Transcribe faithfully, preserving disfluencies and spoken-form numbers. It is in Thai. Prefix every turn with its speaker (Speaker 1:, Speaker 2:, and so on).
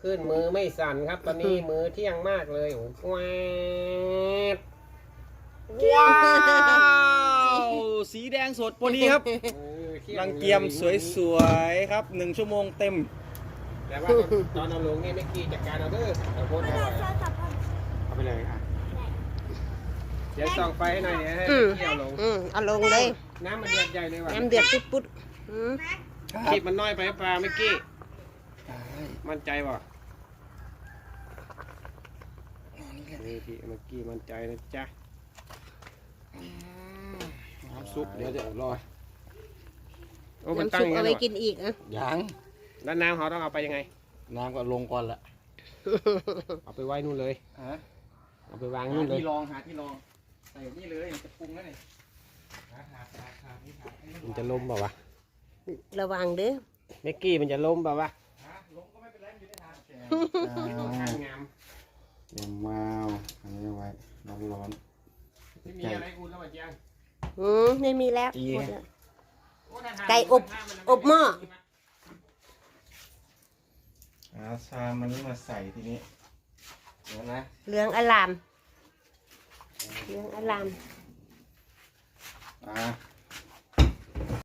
Speaker 1: ขึ้นมือไม่สั่นครับ ตอนนี้มือเที่ยงมากเลยโอ้โห
Speaker 2: ว้าวสีแดงสดพอดีครับรังเกียมสวยๆครับหนึ่งชั่วโมงเต็ม
Speaker 1: แต่ว่าตอนเอาลงนี่ไม่กี่จัดการเอาเด้อเอาโพสเอาไว้เอาไปเลยอ่ะเดี๋ยวส่องไฟให้หน่อยเนี่ยให้เกี่ยวลง
Speaker 3: อืมเอาลงเลย
Speaker 1: น้ำมันเดือดใหญ่เลยว่ะ
Speaker 3: น้ำเดือดปุ๊บปุ๊บอืม
Speaker 1: คลิปมันน้อยไปปลาเมื่อกี้มั่นใจป่ะนี่พี่เมื่อกี้มั่นใจนะจ๊ะน้ำซุปเดี๋ยวจะรอโอ้มันตั้ง
Speaker 3: น้ำซุปเอาไว้กินอีกอ่ะ
Speaker 2: ยัง
Speaker 1: แล้วน้ำเขาต้องเอาไปยังไง
Speaker 2: น้ำก็ลงก่อนละ
Speaker 1: เอาไปไว้นู่นเลย
Speaker 2: ฮะ
Speaker 1: เอาไปวางนู่นเลย
Speaker 2: ที่รองหาที่รองใส่นี่เลยจะปรุงแล้วนี่
Speaker 1: มันจะล้มเปล่าวะ
Speaker 3: ระวังเด้อ
Speaker 1: เมื่อกี้มันจะล้มเปล่าวะ
Speaker 2: ล้มก็ไม่เป็นไรอยู่ในทางแก
Speaker 1: งาม
Speaker 2: ยังว้าวอันนี้ไว้ร้อนร้อน
Speaker 1: ไม่มีอะไรอุ่นแล้วมาเจียง
Speaker 3: อืมไม่มีแล้วหมดแล้วไก่อบอบหม้อ
Speaker 2: เอาชามันนี้มาใส่ทีนี้เดี๋ยวนะ
Speaker 3: เหลืองอลามเหลืองอลาม
Speaker 2: อ่า